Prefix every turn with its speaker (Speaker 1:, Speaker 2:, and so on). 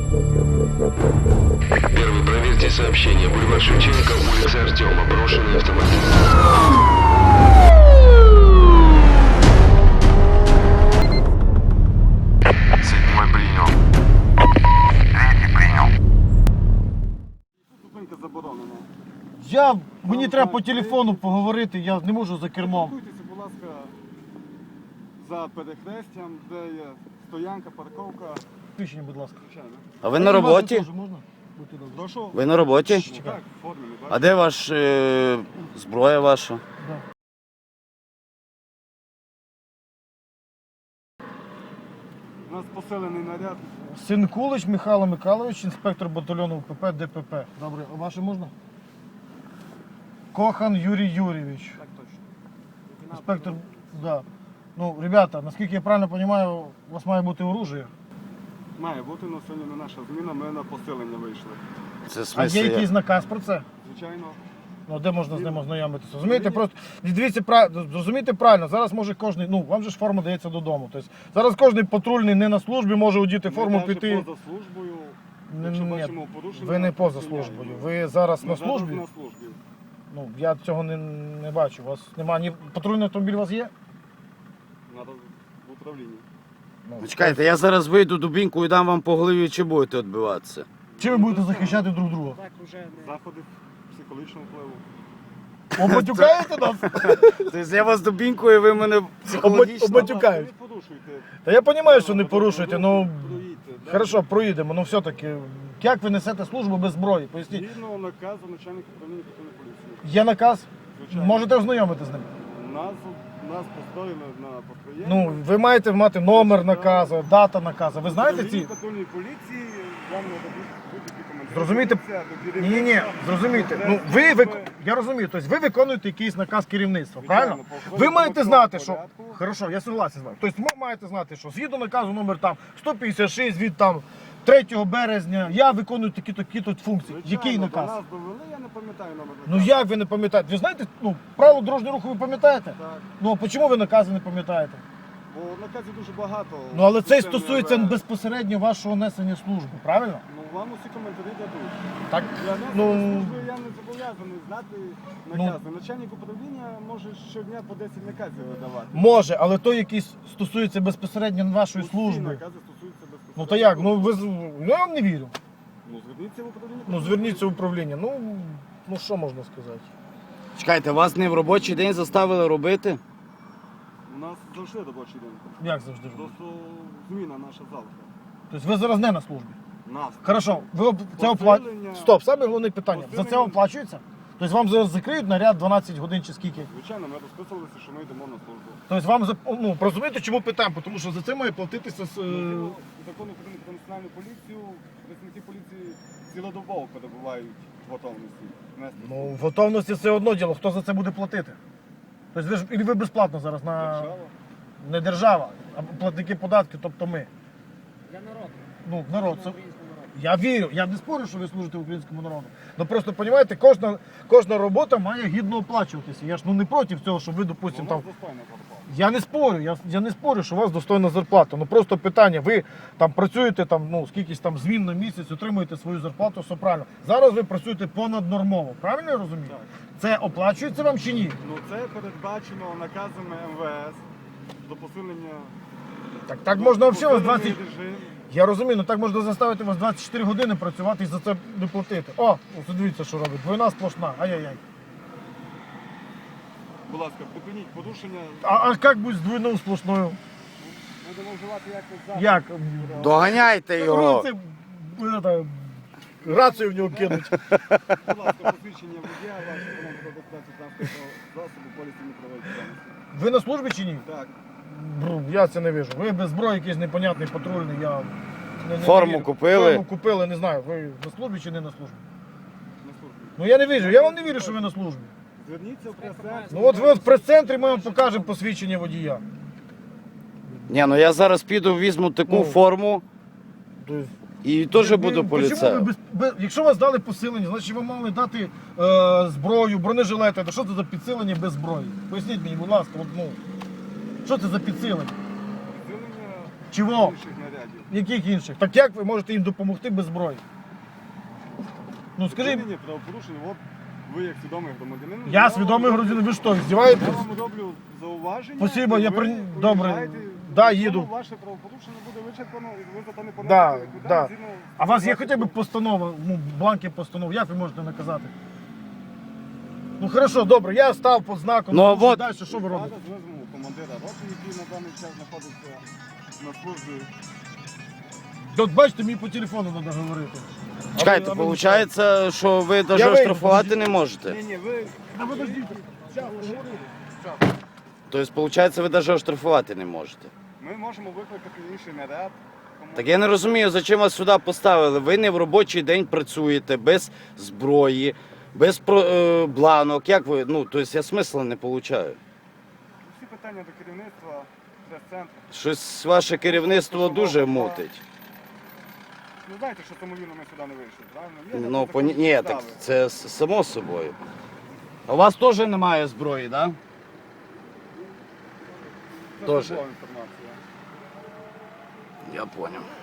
Speaker 1: Первый, проверьте сообщение. Бульвар Шевченко, улица Артема. Брошенный автомобиль. Седьмой принял. Третий принял.
Speaker 2: Зупинка заборонена.
Speaker 3: Мені треба по телефону поговорити, я не можу за кермом.
Speaker 2: Спілкуйтеся, будь ласка, за перехрестям, де є стоянка, парковка.
Speaker 3: Включення, будь ласка.
Speaker 2: Звичайно.
Speaker 4: А ви на роботі?
Speaker 3: Теж можна? Будьте добрі.
Speaker 2: Прошу.
Speaker 4: Ви на роботі?
Speaker 2: Так, в формі, не
Speaker 4: А
Speaker 2: бачите?
Speaker 4: де ваш зброя ваша?
Speaker 3: Да.
Speaker 2: У нас посилений наряд.
Speaker 3: Синкулич Михайло Михайлович, інспектор батальйону УПП ДПП. Добре, а ваше можна? Кохан Юрій Юрійович.
Speaker 2: Так точно.
Speaker 3: Інспектор, да. Ну, ребята, наскільки я правильно розумію, у вас має бути оружие.
Speaker 2: Має бути, але сьогодні не наша зміна, ми на посилення вийшли.
Speaker 4: Це в
Speaker 3: А
Speaker 4: смислі
Speaker 3: є
Speaker 4: як?
Speaker 3: якийсь наказ про це?
Speaker 2: Звичайно.
Speaker 3: Ну, де можна з ним ознайомитися? Розумієте, просто дивіться, зрозумійте правильно, зараз може кожен, ну, вам же ж форма дається додому. Тобто, зараз кожен патрульний не на службі може одіти форму,
Speaker 2: Ми навіть
Speaker 3: піти.
Speaker 2: поза службою.
Speaker 3: Ні,
Speaker 2: Якщо
Speaker 3: ні,
Speaker 2: бачимо порушення,
Speaker 3: ви не поза
Speaker 2: зупиняємо.
Speaker 3: службою, ви зараз
Speaker 2: Ми
Speaker 3: на
Speaker 2: зараз
Speaker 3: службі.
Speaker 2: на службі.
Speaker 3: Ну, я цього не бачу. У вас немає ні патрульний автомобіль у вас є?
Speaker 2: Надо в управлінні.
Speaker 4: Ну, чекайте, я зараз вийду дубінку і дам вам по голові, чи будете відбиватися?
Speaker 3: Чи ви будете захищати друг друга?
Speaker 2: Заходи психологічного впливу.
Speaker 3: Обатюкаєте нас?
Speaker 4: Тобто я вас дубінкою, ви мене психологічно...
Speaker 3: Обатюкають.
Speaker 2: Не порушуйте.
Speaker 3: Та я розумію, що не порушуєте, ну
Speaker 2: Проїдьте, да?
Speaker 3: хорошо, проїдемо, ну все-таки. Як ви несете службу без зброї? Поясніть.
Speaker 2: Згідно наказу начальника управління патрульної поліції.
Speaker 3: Є наказ?
Speaker 2: Звичайно.
Speaker 3: Можете ознайомити з ним?
Speaker 2: Нас построїли на построєнні.
Speaker 3: Ну, ви маєте мати номер наказу, дата наказу. Ви знаєте ці?
Speaker 2: Патрульної поліції, я не дадуть будь-які коментарі.
Speaker 3: Зрозумійте? Ні, зрозумійте. Ну, я розумію, тобто ви виконуєте якийсь наказ керівництва, правильно? Ви маєте знати, що... Хорошо, я согласен з вами. Тобто ви маєте знати, що згідно наказу номер там 156 від там 3 березня я виконую такі-то функції. Який наказ?
Speaker 2: До нас довели, я не пам'ятаю номер
Speaker 3: Ну
Speaker 2: наказу.
Speaker 3: як ви не пам'ятаєте? Ви знаєте, ну, правило дорожнього руху ви пам'ятаєте?
Speaker 2: Так.
Speaker 3: Ну а чому ви накази не пам'ятаєте?
Speaker 2: Бо наказів дуже багато.
Speaker 3: Ну але це
Speaker 2: Системний
Speaker 3: стосується
Speaker 2: РВ.
Speaker 3: безпосередньо вашого несення служби, правильно?
Speaker 2: Ну вам усі коментарі дадуть.
Speaker 3: Так,
Speaker 2: Я не
Speaker 3: ну,
Speaker 2: служби, я не зобов'язаний знати накази. Начальник управління може щодня по 10 наказів видавати.
Speaker 3: може, але той, який стосується безпосередньо вашої
Speaker 2: Усі
Speaker 3: служби.
Speaker 2: накази стосуються безпосередньо.
Speaker 3: Ну то як? Ну ви я вам не вірю.
Speaker 2: Ну зверніться в управління.
Speaker 3: Ну зверніться в управління. Ну що можна сказати?
Speaker 4: Чекайте, вас не в робочий день заставили робити?
Speaker 2: У нас завжди робочий день.
Speaker 3: Як завжди?
Speaker 2: Просто зміна наша завтра.
Speaker 3: Тобто ви зараз не на службі.
Speaker 2: Нас.
Speaker 3: Хорошо, ви це оплачуєте. Стоп, саме головне питання. За це оплачується? Тобто вам зараз закриють наряд 12 годин чи скільки?
Speaker 2: Звичайно, ми розписувалися, що ми йдемо на службу.
Speaker 3: Тобто вам ну, розумієте, чому питаємо? Тому що за це має платитися
Speaker 2: Закон України про національну поліцію, працівники поліції цілодобово перебувають в готовності. нести
Speaker 3: Ну,
Speaker 2: службу.
Speaker 3: в готовності це одно діло. Хто за це буде платити? Тобто ви ж і ви безплатно зараз на
Speaker 2: Держава.
Speaker 3: не держава, а платники податків, тобто ми.
Speaker 5: Для народу.
Speaker 3: Ну, народ. Це...
Speaker 5: Українського народу.
Speaker 3: Я вірю, я не спорю, що ви служите українському народу. Ну просто розумієте, кожна робота має гідно оплачуватися. Я ж не проти цього, що ви, допустимо,
Speaker 2: Воно
Speaker 3: там.
Speaker 2: достойно попало.
Speaker 3: Я не спорю, я не спорю, що у вас достойна зарплата. Ну просто питання, ви там працюєте там, ну, скількись там змін на місяць, отримуєте свою зарплату, все правильно. Зараз ви працюєте понаднормово, правильно я розумію?
Speaker 2: Так.
Speaker 3: Це оплачується вам чи ні?
Speaker 2: Ну це передбачено наказами МВС до посилення.
Speaker 3: Так можна взагалі вас 20...
Speaker 2: посилений режим.
Speaker 3: Я розумію, ну так можна заставити вас 24 години працювати і за це не платити. О, ось дивіться, що робить. Двойна сплошна. Ай-яй-яй.
Speaker 2: Будь ласка, припиніть порушення.
Speaker 3: А як буде з двойною сплошною?
Speaker 2: Будемо вживати якось зараз.
Speaker 3: Як?
Speaker 4: Доганяйте його!
Speaker 3: Рацію в нього кинуть.
Speaker 2: Будь ласка, посвідчення водія, ваше право до безпеки транспортного засобу, поліції не проводить діяльності.
Speaker 3: Ви на службі чи ні?
Speaker 2: Так.
Speaker 3: Я це не вижу. Ви без зброї якийсь непонятний патрульний, я не
Speaker 4: Форму
Speaker 3: вірю.
Speaker 4: купили?
Speaker 3: Форму купили, не знаю. Ви на службі чи не на службі?
Speaker 2: На службі.
Speaker 3: Ну я не вірю, я вам не вірю, що ви на службі.
Speaker 2: Зверніться в прес-центр.
Speaker 3: Ну от ви в прес-центрі ми вам покажемо посвідчення водія.
Speaker 4: Ні, ну я зараз піду, візьму таку
Speaker 3: Ну.
Speaker 4: форму
Speaker 3: Тобто,
Speaker 4: і теж буду
Speaker 3: чому ви
Speaker 4: поліцеєм.
Speaker 3: якщо вас дали посилення, значить ви мали дати зброю, бронежилети. То що це за підсилення без зброї? Поясніть мені, будь ласка, от, ну, що це за підсилення?
Speaker 2: Підсилення
Speaker 3: Чого?
Speaker 2: інших нарядів.
Speaker 3: Яких інших? Так як ви можете їм допомогти без зброї? Ну скажіть,
Speaker 2: Вчинення правопорушення, от ви як свідомий громадянин.
Speaker 3: я свідомий громадянин, ви що, здіваєтесь?
Speaker 2: Я вам роблю зауваження.
Speaker 3: Спасибо,
Speaker 2: і
Speaker 3: я
Speaker 2: ви
Speaker 3: добре.
Speaker 2: уїжджаєте,
Speaker 3: Да,
Speaker 2: і
Speaker 3: їду.
Speaker 2: Ваше правопорушення буде вичерпано, і ви за то не
Speaker 3: Да,
Speaker 2: понесете відповідальність
Speaker 3: да.
Speaker 2: згідно
Speaker 3: А у вас є
Speaker 2: 120
Speaker 3: хоча б постанова, ну, бланки постанов, як ви можете наказати? Ну хорошо, добре, я став під знаком,
Speaker 4: Ну,
Speaker 3: що
Speaker 4: от-
Speaker 3: далі, що ви робите?
Speaker 2: Зараз візьму командира роти, який на даний час знаходиться на службі.
Speaker 3: От бачите, мені по телефону треба говорити.
Speaker 4: Чекайте,
Speaker 3: А ви-
Speaker 4: виходить, що ви навіть
Speaker 3: вийду,
Speaker 4: оштрафувати не можете.
Speaker 2: Ні, ви
Speaker 3: Ну подождіть,
Speaker 4: Тобто, виходить, ви навіть оштрафувати не можете.
Speaker 2: ми можемо викликати інший наряд.
Speaker 4: Так я не розумію, зачем вас сюди поставили. Ви не в робочий день працюєте, без зброї, без бланок. Як ви? Ну, тобто я смисла не получаю.
Speaker 2: Всі питання до керівництва прес-центру.
Speaker 4: Щось ваше керівництво дуже мутить.
Speaker 2: Ну знаєте, що самовільно ми сюди не вийшли, правильно? Є на
Speaker 4: Ну,
Speaker 2: це законні
Speaker 4: ні, так
Speaker 2: підстави.
Speaker 4: це само собою. А у вас теж немає зброї, так? Да?
Speaker 2: Це
Speaker 4: Тоже.
Speaker 2: службова інформація.
Speaker 4: Я зрозумів.